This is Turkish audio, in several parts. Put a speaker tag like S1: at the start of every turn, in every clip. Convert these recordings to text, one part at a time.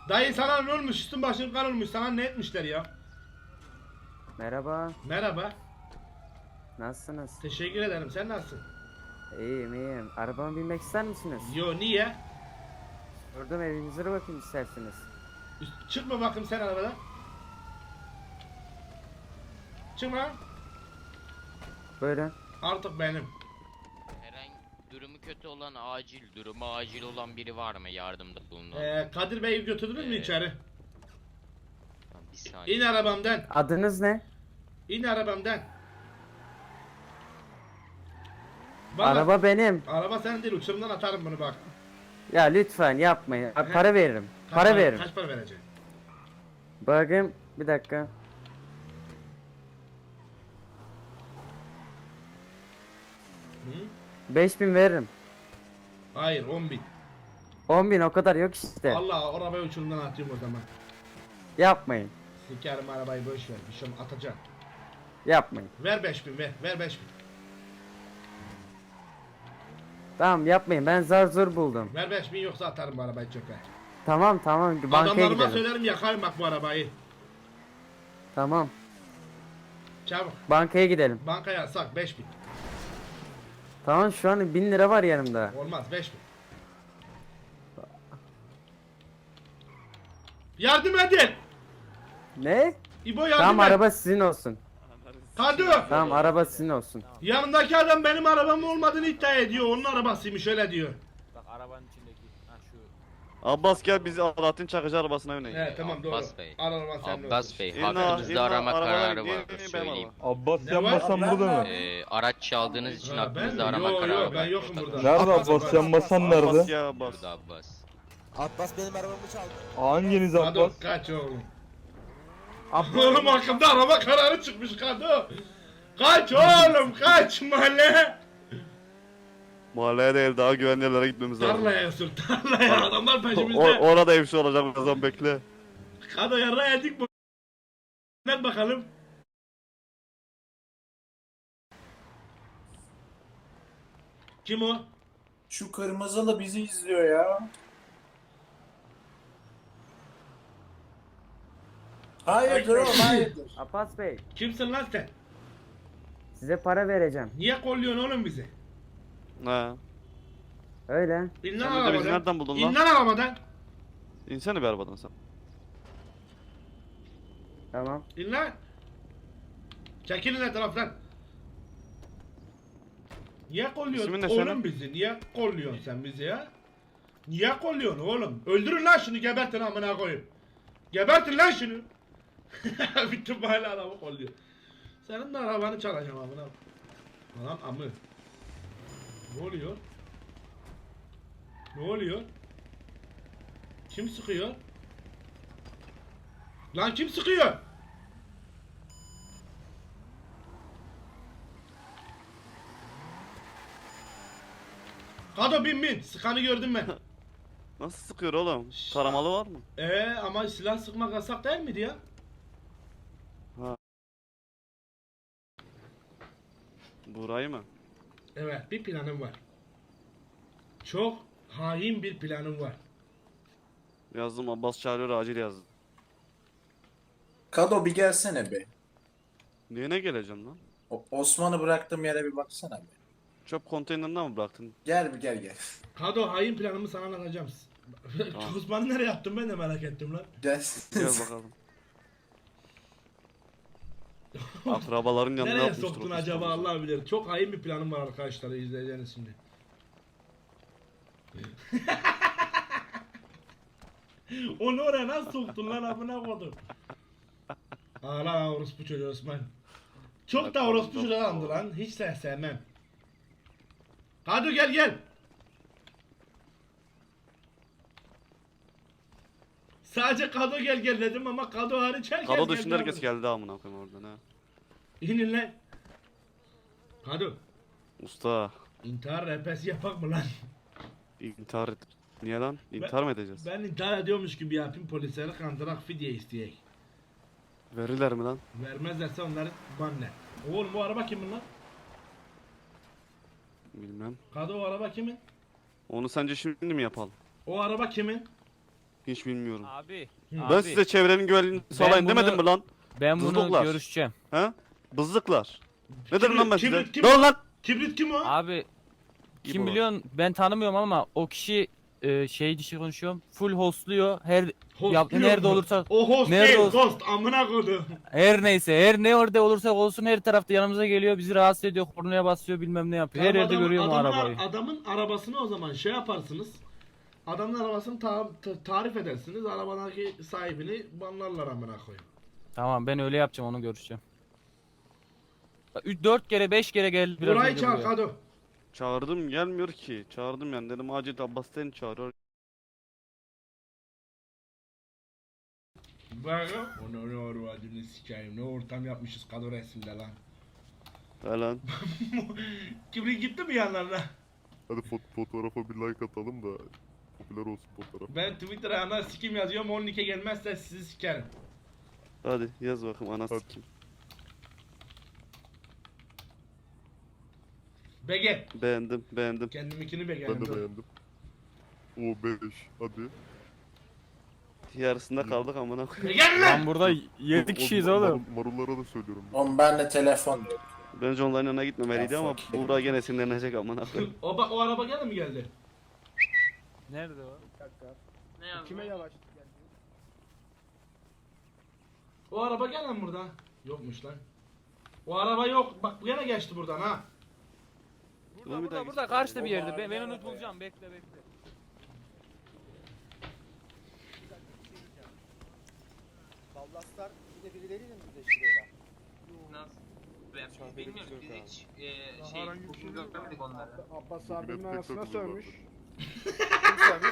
S1: Dayı sana ne olmuş? Üstün başın kan olmuş. Sana ne etmişler ya?
S2: Merhaba,
S1: Merhaba.
S2: nasılsınız?
S1: Teşekkür ederim. Sen nasılsın?
S2: İyiyim, iyiyim. Arabama binmek ister misiniz?
S1: Yo niye?
S2: Durdum evinize de bakayım isterseniz.
S1: Çıkma bakayım sen arabadan. Çıkma.
S2: Buyurun.
S1: Artık benim.
S3: Herhangi durumu kötü olan durumu acil olan biri var mı yardımda bulunan?
S1: Kadir Bey'i götürdünüz mü içeri?
S3: Tamam, bir saniye.
S1: İn arabamdan.
S2: Adınız ne?
S1: İn arabamdan. Bana-
S2: Araba benim.
S1: Araba senin değil. Uçurumdan atarım bunu bak.
S2: Ya lütfen yapmayın.
S1: He.
S2: Para veririm.
S1: Kaç
S2: Para veririm.
S1: Kaç para vereceksin?
S2: Bakayım bir dakika.
S1: Hı?
S2: 5.000 veririm.
S1: Hayır 10.000.
S2: 10.000 o kadar yok işte.
S1: Allah arabayı uçurumdan atıyorum o zaman.
S2: Yapmayın.
S1: Sikerim arabayı boş ver. Bir şey atacağım.
S2: Yapmayın.
S1: Ver 5.000 ver. Ver 5.000.
S2: Tamam yapmayın. Ben zar zor buldum.
S1: Ver 5.000 yoksa atarım bu arabayı çöpe.
S2: Tamam tamam bankaya
S1: Adamlarıma
S2: gidelim.
S1: söylerim yakarım bak bu arabayı.
S2: Tamam.
S1: Çabuk.
S2: Bankaya gidelim.
S1: Bankaya sak 5.000.
S2: Tamam şu an 1000 lira var yanımda.
S1: Olmaz 5.000. Yardım edin.
S2: Ne?
S1: İbo yardım
S2: Tamam
S1: et.
S2: araba sizin olsun.
S1: Kadu.
S2: Tamam araba sizin olsun.
S1: Yanındaki adam benim arabam olmadığını iddia ediyor. Onun arabasıymış öyle diyor.
S4: Bak arabanın içindeki. Ha şu.
S5: Abbas gel biz Alaaddin Çakıcı arabasına yönelik.
S1: Evet tamam doğru.
S3: Abbas Bey.
S1: Araban senin
S3: Abbas
S1: olsun.
S3: Bey,
S5: İnna-
S3: hakkınızda
S5: inna
S3: arama
S5: arabalar
S3: kararı
S5: gidiyor,
S3: var
S5: benim
S3: söyleyeyim.
S6: Abbas
S1: Ne
S6: Yanbasan
S1: var?
S6: burada mı?
S3: Araç çaldığınız için
S1: Ha, ben
S3: hakkınızda
S1: mi?
S3: arama
S1: Yo,
S3: kararı
S1: yo,
S3: var.
S1: ben yokum burada.
S6: Nerede Abbas Yanbasan
S5: Abbas
S6: nerede?
S5: ya Abbas.
S3: Burada Abbas.
S4: Abbas benim arabamı çaldı.
S6: Hanginiz
S1: Kadu
S6: Abbas?
S1: kaç oğlum. Oğlum hakkında araba kararı çıkmış Kadu. Kaç oğlum kaç mahalle.
S5: Mahalleye değil daha güvenli yerlere gitmemiz lazım.
S1: Tarlaya sür tarlaya adamlar
S5: O,
S1: peşimizde.
S5: orada evsi olacak birazdan bekle.
S1: Kadu yarra yedik bu. Net bakalım. Kim o?
S7: Şu kırmızılı bizi izliyor ya. Hayırdır oğlum hayırdır.
S2: Abbas Bey
S1: Kimsin lan sen?
S2: size para vereceğim.
S1: Niye kolluyorsun oğlum bizi?
S5: He.
S2: Öyle.
S1: İn lan
S5: Sen de bizi
S1: arabadan.
S5: nereden buldun
S1: İn
S5: lan?
S1: lan arabadan.
S5: İnsene bir arabadan sen.
S2: Tamam.
S1: İn lan. Çekilin etraftan. Niye kolluyorsun
S5: İsmin ne
S1: oğlum
S5: senin?
S1: bizi? Niye kolluyorsun sen bizi ya? Niye kolluyorsun oğlum? Öldürün lan şunu gebertin amına koyayım. Gebertin lan şunu. Bütün mahalle adamı kolluyor. Senin de arabanı çalacağım amına. Lan amı. Ne oluyor? Ne oluyor? Kim sıkıyor? Lan kim sıkıyor? Kado bin. Sıkanı gördüm ben.
S5: Nasıl sıkıyor oğlum? Taramalı var mı?
S1: Ama silah sıkmak yasak değil miydi ya?
S5: Burayı mı?
S1: Evet bir planım var. Çok hain bir planım var.
S5: Yazdım Abbas çağırıyor acil yazdım.
S7: Kado bir gelsene be.
S5: Niye ne geleceğim lan?
S7: Osman'ı bıraktığım yere bir baksana be.
S5: Çöp konteynerine mi bıraktın?
S7: Gel bir gel.
S1: Kado hain planımı sana anlatacağım.
S5: Tamam.
S1: Osman'ı nereye attım ben de merak ettim lan.
S7: Gel.
S5: Gel bakalım. Akrabaların yanına
S1: Nereye
S5: yapmıştır
S1: soktun
S5: o
S1: acaba
S5: pistolü.
S1: Allah bilir. Çok hain bir planım var arkadaşlar izleyeceğiniz şimdi. Onu oraya nasıl soktun lan amına kodum? Ağla orospu çocuğu Osman. Çok da orospu çocuğu adamdı lan. Hiç de sevmem. Kado gel. Sadece Kado gel dedim ama Kado hariç herkes
S5: Kado
S1: geldi
S5: dışında herkes
S1: amına.
S5: geldi amına koyayım oradan ha.
S1: İnin lan. Kado.
S5: Usta
S1: İntihar rehbersi yapak mı lan?
S5: intihar et. Niye lan? İntihar mı edeceğiz?
S1: Ben intihar ediyormuş gibi yapayım polisleri kandırak fidye isteyek.
S5: Verirler mi lan?
S1: Vermezlerse onları banle. Oğlum bu araba kimin lan?
S5: Bilmem.
S1: Kadı o araba kimin?
S5: Onu sence şimdi mi yapalım?
S1: O araba kimin?
S5: Hiç bilmiyorum.
S8: Abi.
S1: Ben
S5: Ben
S8: abi,
S5: size çevrenin güvenliğini sağlayın
S8: bunu-
S5: demedim mi lan?
S8: ben bunu
S5: Zızdoklar.
S8: görüşeceğim.
S5: He? Bızlıklar. Ne dedim lan ben size?
S1: Kibrit kim?
S5: Dön lan!
S1: Kibrit kim o?
S8: Abi
S5: İbo.
S8: kim biliyorsun ben tanımıyorum ama o kişi şey dişi konuşuyorum. Full hostluyor.
S1: Host
S8: Ya,
S1: diyor
S8: nerede
S1: mu?
S8: olursa-
S1: O host
S8: nerede
S1: değil,
S8: olsa-
S1: ghost. Amına koydum.
S8: Her neyse her ne orada olursa olsun her tarafta yanımıza geliyor. Bizi rahatsız ediyor. Kornaya basıyor bilmem ne yapıyor. Her yerde görüyorum o arabayı.
S1: Adamın arabasını o zaman şey yaparsınız. Adamın arabasını tarif edersiniz. Arabadaki sahibini banlarlar amına koyayım.
S8: Tamam ben öyle yapacağım onu görüşeceğim. 4 kere 5 kere geldi biraz
S1: Burayı
S8: önce
S1: çağır
S8: buraya.
S1: Kado.
S5: Çağırdım gelmiyor ki. Çağırdım yani dedim acil Abbas seni çağırıyor.
S1: Bak onu ne orvadını sikeyim. Ne ortam yapmışız Kado resimde lan.
S5: He lan.
S1: Kibrit gitti mi yanlarına?
S6: Hadi fotoğrafa bir like atalım da popüler olsun fotoğraf.
S1: Ben Twitter'a ana sikim yazıyorum. 12'e gelmezse sizi sikerim.
S5: Hadi yaz bakayım anası
S6: Hadi.
S5: kim?
S1: Bege.
S5: Beğendim beğendim.
S1: Kendiminkini
S6: Ben
S1: beğendim.
S6: de beğendim. O 5 hadi.
S5: Yarısında kaldık amına koyayım.
S1: Gel lan!
S8: Lan burada 7 kişiyiz oğlum.
S6: Marullara da söylüyorum.
S7: Oğlum bende telefon yok.
S5: Bence onların yanına gitmemeliydi
S7: Ya
S5: ama
S7: fuck.
S5: Buğra gene sinirlenecek amına koyayım.
S1: O araba gene mi geldi?
S8: Nerede o?
S4: Kime yavaş?
S1: O araba gene mi burada? Yokmuş lan. O araba yok. Bak gene geçti buradan ha.
S5: Ulan bir daha
S8: Burada
S5: git.
S8: karşıda bir yerde. Ben onu bulacağım. Bekle bekle.
S4: Ballaslar bir de birileriyle mi birleştiriyorlar?
S9: Nasıl? Ben bilmiyorum biz hiç bugün görmedik onları.
S6: Abbas abinin
S10: arasına sövmüş.
S4: Kim söylemiş?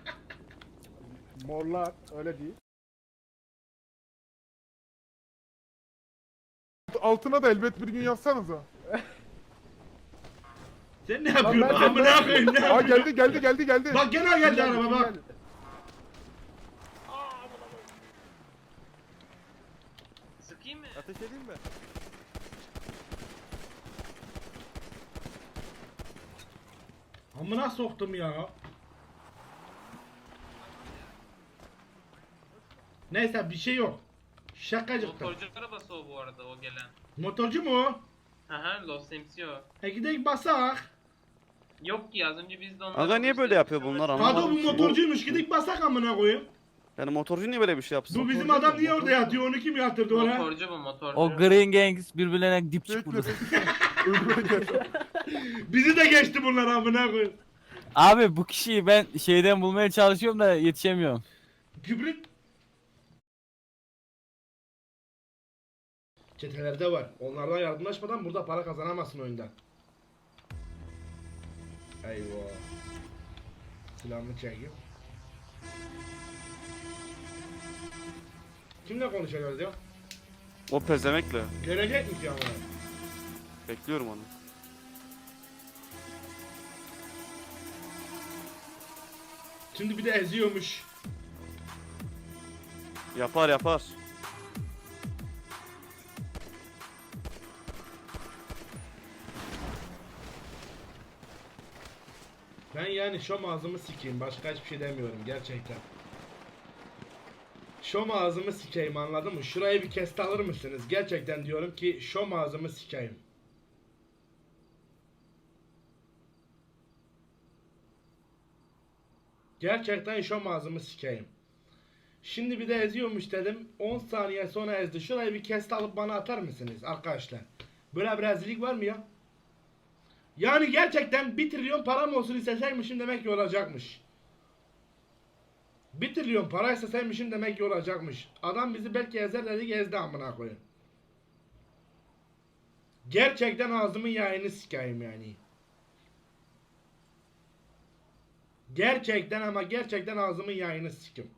S10: Morlar öyle değil. Altına da elbet bir gün yazsanıza.
S1: Sen ne yapıyorsun? Amına koyayım ne
S10: Aa
S1: yapıyorsun?
S10: geldi.
S1: Bak gene geldi araba bak.
S9: Sıkayım mı?
S4: Ateş edeyim mi?
S1: Amına soktum ya. Neyse bir şey yok. Şakacıkta.
S9: Motorcu arabası o bu arada o gelen.
S1: Motorcu mu o?
S9: Aha Los MCO.
S1: Gidelim basak.
S9: Yok ki az önce biz de onları...
S5: Aga niye böyle yapıyor bunlar
S1: Kado
S5: anlamadım
S1: bu
S5: ki.
S1: motorcuymuş gidelim basak amına koyayım.
S5: Yani motorcu niye böyle bir şey yapsın?
S1: Bu bizim adam niye orada yatıyor onu kim yatırdı oraya?
S9: Motorcu bu motorcu.
S8: O Green Gangs birbirlerine dip çıkmadı.
S1: Bizi de geçti bunlar amına koyayım.
S8: Abi bu kişiyi ben şeyden bulmaya çalışıyorum da yetişemiyorum.
S1: Kibrit. Çetelerde var. Onlardan yardımlaşmadan burada para kazanamazsın oyunda. Eyvah. Silahımı çekeyim. Kimle konuşacağız ya?
S5: O pezemekle.
S1: Görecek mi ki ama?
S5: Bekliyorum onu.
S1: Şimdi bir de eziyormuş.
S5: Yapar yapar.
S1: Ben yani şom ağzımı sikeyim. Başka hiçbir şey demiyorum gerçekten. Şom ağzımı sikeyim anladın mı? Şurayı bir keste alır mısınız? Gerçekten diyorum ki şom ağzımı sikeyim. Gerçekten şom ağzımı sikeyim. Şimdi bir de eziyormuş dedim. 10 saniye sonra ezdi. Şurayı bir keste alıp bana atar mısınız arkadaşlar? Böyle bir rezillik var mı ya? Yani gerçekten 1 trilyon param olsun isteseymişim demek ki olacakmış. 1 trilyon para isteseymişim demek ki olacakmış. Adam bizi belki ezer dedik ezdi amına koyun. Gerçekten ağzımın yayını sikeyim yani. Gerçekten ama gerçekten ağzımın yayını sikim.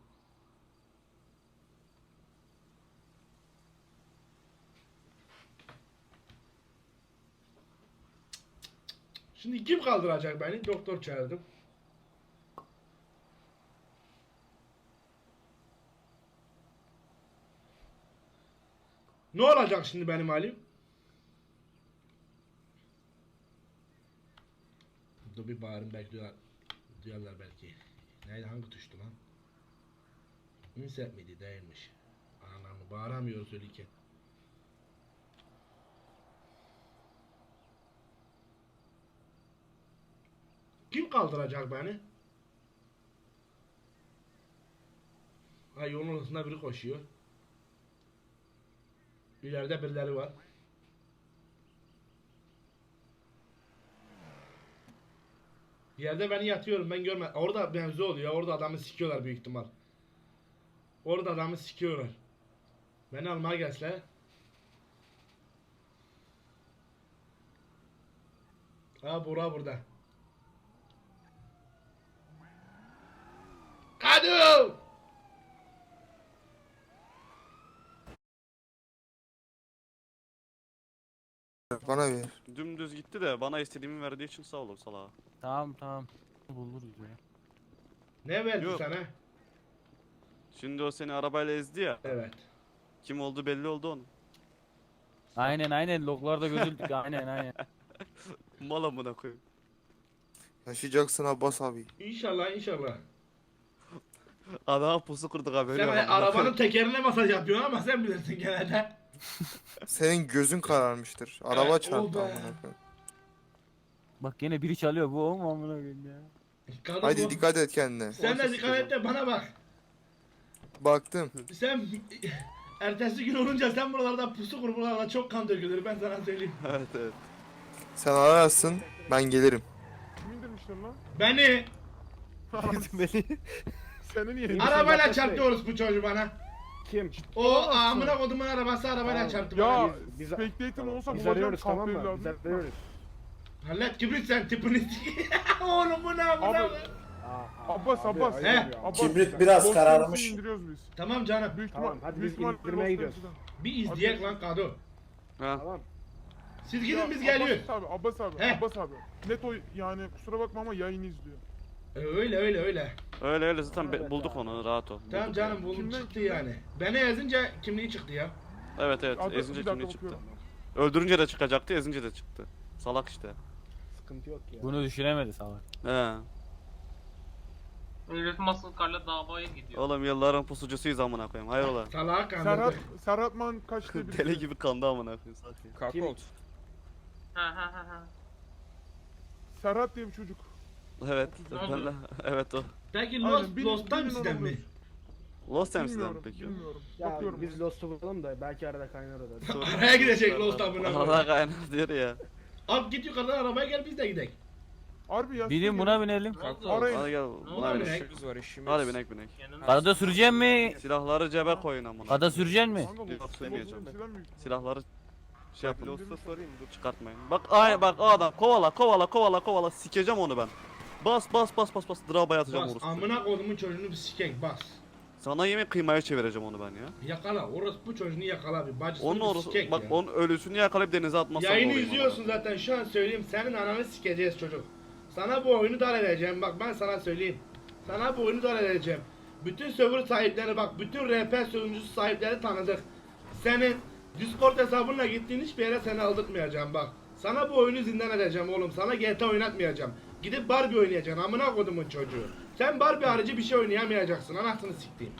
S1: Şimdi kim kaldıracak beni? Doktor çağırdım. Ne olacak şimdi benim halim? Dur bir bağırın belki duyarlar belki. Neydi hangi tuştu lan? Ünset miydi? Değilmiş. Anamı bağıramıyor söylerken. Kim kaldıracak beni? Ay yolun ortasında biri koşuyor. İleride birileri var. Bir yerde beni yatıyorum ben görmedim. Orada mevzu oluyor. Orada adamı sikiyorlar büyük ihtimal. Orada adamı sikiyorlar. Beni almaya gelseler. Ha Burak burada. Kadu!
S11: Bana ver.
S5: Dümdüz gitti de bana istediğimi verdiği için sağ olun salağa.
S8: Tamam tamam. Buluruz ya.
S1: Ne verdi
S5: Yok.
S1: sana?
S5: Şimdi o seni arabayla ezdi ya.
S1: Evet.
S5: Kim oldu belli oldu onun.
S8: Aynen loglarda gözüldük aynen.
S5: Mal amına koyayım.
S11: Yaşayacaksın Abbas abi.
S1: İnşallah inşallah.
S5: Adama pusu kurduk haberi
S1: Sen
S5: yok.
S1: arabanın tekerine masaj yapıyorsun ama sen bilirsin genelde.
S11: Senin gözün kararmıştır. Araba
S1: Evet,
S11: çarptı
S1: oldu.
S11: amına koyayım.
S8: Bak yine biri çalıyor bu o mu amına koyayım ya.
S1: Kadın
S11: Haydi
S1: bu.
S11: dikkat et kendine.
S1: Sen de dikkat et de bana bak.
S11: Baktım.
S1: Sen ertesi gün olunca sen buralarda pusu kur buralarda çok kan dökülür ben sana söyleyeyim.
S5: Evet evet.
S11: Sen ararsın. Ben gelirim.
S10: Kim indirmişler lan?
S1: Beni
S10: Seni niye?
S1: arabayla çarptı orospu çocuğu bana.
S10: Kim?
S1: O amına kodumun arabası arabayla çarptı bana.
S10: Ya Spectator olsa bulacağım kahve evladım.
S1: Hallet kibrit sen tipini oğlum bu ne
S10: Abi.
S1: amına.
S10: Abbas Abbas.
S1: He.
S10: Abbas.
S7: Kibrit biraz
S10: Boş
S7: kararmış.
S10: olsun indiriyoruz biz.
S1: Tamam canım.
S10: Büyük ihtimal.
S4: hadi
S10: büyük
S4: biz
S10: ihtimal
S4: indirmeye
S10: Lost
S4: gidiyoruz.
S10: Place'den.
S1: Bir izleyek lan Kado.
S5: Ha.
S1: Siz
S10: Ya,
S1: gidin biz geliyoruz.
S10: Abbas abi, Abbas abi,
S1: He.
S10: Abbas abi. Net o yani kusura bakma ama yayını izliyor.
S1: Öyle.
S5: Öyle öyle zaten bulduk onu rahat ol.
S1: Tamam
S5: Bulduk
S1: canım
S5: yani.
S1: buldum
S10: Kimden,
S1: çıktı
S10: kimden?
S1: yani. Beni ezince kimliği çıktı ya.
S5: Evet evet
S10: Adı-
S5: ezince
S10: bir dakika
S5: kimliği çıktı.
S10: bakıyorum.
S5: Öldürünce de çıkacaktı ezince de çıktı. Salak işte.
S4: Sıkıntı yok ya.
S8: Bunu düşünemedi salak.
S5: He.
S9: Herif Masılkar'la davaya gidiyor.
S5: Oğlum yılların pusucusuyuz amına koyayım. Hayrola.
S1: Salağa kandırdı.
S10: Serhat Man kaçtı bir.
S5: Deli gibi kandı amına koyayım. Sakin.
S9: Ha.
S10: Serhat diye bir çocuk.
S5: Evet.
S9: Ne oldu?
S5: Evet o.
S1: Peki
S10: Aynen,
S1: Lost
S10: bilin
S1: Times'den mi?
S10: olabilir.
S5: Lost Times'den
S10: Bilmiyorum,
S5: peki.
S10: bilmiyorum.
S4: Ya
S10: Bakıyorum.
S4: biz Lost'u bulalım da belki arada kaynar o da.
S1: Araya gidecek Lost amına
S5: Allah
S1: koyayım.
S5: kaynar diyor ya.
S1: Al git yukarıdan arabaya gel biz de gidelim.
S10: Harbi ya.
S8: Binin buna binelim.
S9: Ne oldu?
S10: Arayın.
S5: Hadi gel
S1: Ne
S5: buna
S1: oldu
S5: binek.
S1: binek?
S5: Hadi binek binek.
S9: Yanına.
S8: Arada süreceksin mi?
S5: Silahları cebe koyun amına.
S8: Ada süreceksin mi?
S10: Kanka,
S5: Yok,
S10: Lost-
S5: sürmeyeceğim.
S10: Lost'u mi?
S5: Silahları şey yapın. Lost'a sorayım dur çıkartmayın. Bak ay bak o adam kovala sikeceğim onu ben. Bas drabaya atacağım
S1: Bas
S5: orospu.
S1: amına kodumun çocuğunu bir sikek bas.
S5: Sana yemek kıymaya çevireceğim onu ben ya.
S1: Yakala orospu çocuğunu yakala bir bacısını
S5: Onun
S1: bir
S5: orası
S1: sikek
S5: bak
S1: ya.
S5: onun ölüsünü yakalayıp denize atmazsan
S1: Yayını
S5: olayım
S1: izliyorsun
S5: ona.
S1: zaten şu an söyleyeyim senin ananı sikeceğiz çocuk. Sana bu oyunu dar edeceğim bak ben sana söyleyeyim. Sana bu oyunu dar edeceğim. Bütün server sahipleri bak bütün RP sunucusu sahipleri tanıdık. Senin Discord hesabınla gittiğin hiçbir yere seni aldırtmayacağım bak. Sana bu oyunu zindan edeceğim oğlum. Sana GTA oynatmayacağım. Gidip Barbie oynayacaksın amına kodumun çocuğu. Sen Barbie harici bir şey oynayamayacaksın anasını siktiğim.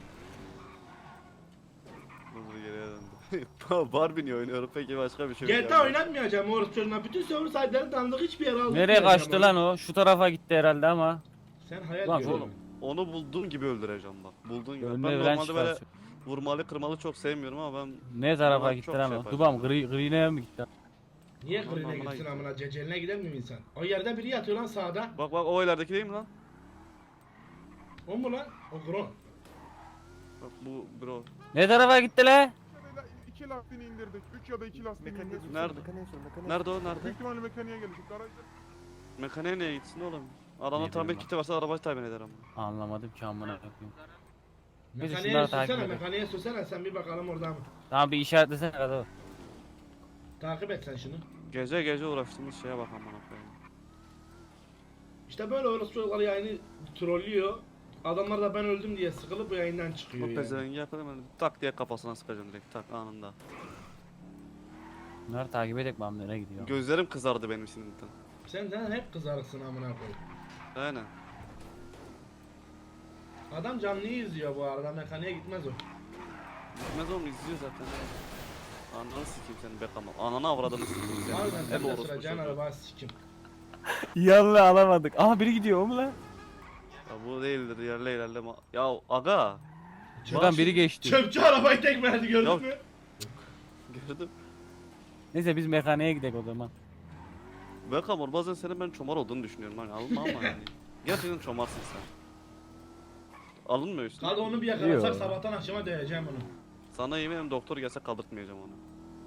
S5: Dur geriye döndü. Barbie niye oynuyorum peki başka bir şey yok
S1: GTA
S5: yani.
S1: oynatmayacağım orospu çocuğuna. Bütün server sahipleri tanıdık hiçbir yere aldırtmayacağım.
S8: Nereye kaçtı lan o? Şu tarafa gitti herhalde ama.
S1: Sen hayal
S8: Lan
S1: görüyorsun.
S8: oğlum.
S5: Onu bulduğun gibi öldüreceğim bak. Bulduğun gibi.
S8: Önüne
S5: Ben
S8: veren
S5: normalde böyle
S8: çıkarsın.
S5: vurmalı kırmalı çok sevmiyorum ama ben
S8: Ne tarafa
S5: Vallahi
S8: gitti
S5: çok
S8: lan
S5: şey
S8: o?
S5: yaparsın.
S8: Dubam grine mi gitti?
S1: Niye
S5: Aman
S1: kırına
S5: amına
S1: gitsin
S5: gidiyor.
S1: amına ceceline gider mi insan? O yerde biri yatıyor lan sağda.
S5: bak o ilerideki değil mi lan?
S1: O mu lan? O Gron.
S5: Bak bu bro.
S8: Ne tarafa gitti la?
S10: İki lastiğini indirdik. 3 ya da 2 lastiğini indirdik.
S5: Nerede? Nerede o nerede?
S10: Büyük ihtimalle mekaniğe gelecek. Garajda.
S5: Mekaniğe niye gitsin oğlum? Adamda
S8: Ne
S5: tamir
S8: bileyim
S5: kiti varsa arabayı tayin eder ama.
S8: Anlamadım ki amına koyayım. Neyse,
S1: Mekaniğe
S8: şunları takip
S1: sürsene,
S8: edelim.
S1: mekaniğe sürsene sen bir bakalım orada mı?
S8: Tamam bir işaretlesene kadar.
S1: Takip et sen şunu.
S5: Gece uğraştığımız şeye bak amına koyayım.
S1: İşte böyle orası çocuklar yayını trollüyor. Adamlar da ben öldüm diye sıkılıp bu yayından
S5: O
S1: çıkıyor yani.
S5: pezevengi yakalayayım ben tak diye kafasına sıkacağım direkt tak anında.
S8: Bunları takip edek mi nereye gidiyor?
S5: Gözlerim kızardı benim sinirden.
S1: Sen hep kızarıksın amına koyayım.
S5: Aynen.
S1: Adam canlıyı izliyor bu arada, mekaniğe gitmez o.
S5: Gitmez oğlum, izliyor zaten. Ananı sikeyim senin be tamam. Ananı avradını sikeyim seni.
S1: Harbiden sen
S5: Hep
S1: de
S5: orospu
S1: süreceğin
S5: çocuğu.
S1: araba sikim.
S8: Yanına alamadık. Aha biri gidiyor o mu lan?
S5: Ya bu değildir, ilerleme. Ya aga.
S8: Şuradan biri geçti.
S1: Çöpçü arabayı tek verdi, gördün
S5: Ya-
S1: mü?
S5: Gördüm.
S8: Neyse biz mekaniğe gidelim o zaman.
S5: Bekamor bazen senin ben çomar olduğunu düşünüyorum hani alınma ama yani. Gerçekten çomarsın sen. Alınmıyor üstüne.
S1: Hadi onu bir yakalasak
S8: Yok.
S1: sabahtan akşama döveceğim onu.
S5: Sana yemin ederim doktor gelse kaldırtmayacağım onu.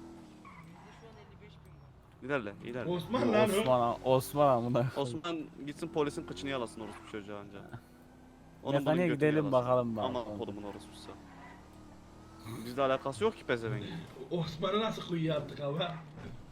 S5: İlerle, ilerle.
S1: Osman lan o.
S8: Osman amına.
S5: Osman gitsin polisin kıçını yalasın orospu çocuğa anca.
S8: Mekaniğe
S5: götünü
S8: gidelim
S5: yalasın.
S8: bakalım
S5: Ama
S8: bakalım.
S5: kodumun orospusu. Bizle alakası yok ki pezevengin.
S1: Osman'ı nasıl kuyuya attık ama?